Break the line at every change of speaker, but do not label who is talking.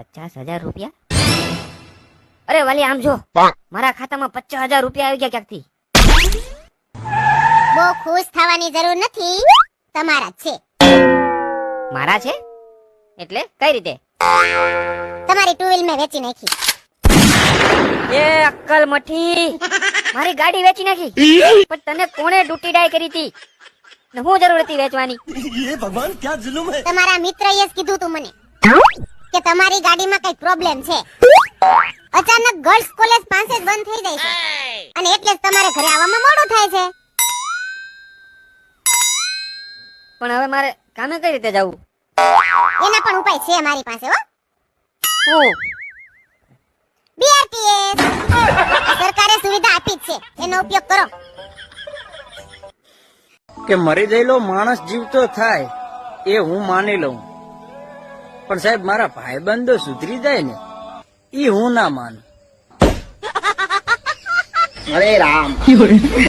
50,000 રૂપિયા? અરે વાલી આમ જો, મારા ખાતામાં 50,000 રૂપિયા આવી ગયા ક્યાંકથી.
બહુ ખુશ થવાની જરૂર નથી, તમારા જ છે.
મારા છે એટલે કઈ રીતે?
તમારી ટુ વ્હીલ મેં વેચી નાખી.
એ અક્કલ મઠી, મારી ગાડી વેચી નાખી? પણ તને કોણે ડૂટી ડાય કરી હતી ને હું જરૂર હતી વેચવાની?
ये भगवान क्या जुल्म है.
તમારા મિત્રએ જ કીધું તું મને કે તમારી ગાડીમાં કઈ પ્રોબ્લેમ છે. અચાનક ગર્લ્સ કોલેજ પાસે જ બંધ થઈ જાય છે અને એટલે જ તમારે ઘરે આવવામાં મોડું થાય છે.
પણ હવે મારે કામે કઈ રીતે જવું?
એના પણ ઉપાય છે મારી પાસે હો.
હું
BRTS સરકારે સુવિધા આપી જ છે, એનો ઉપયોગ કરો.
કે મરી ગયેલો માણસ જીવતો થાય એ હું માની લઉં, પણ સાહેબ મારા ભાઈબંધો સુધરી જાય ને એ હું ના માનું.
અરે રામ.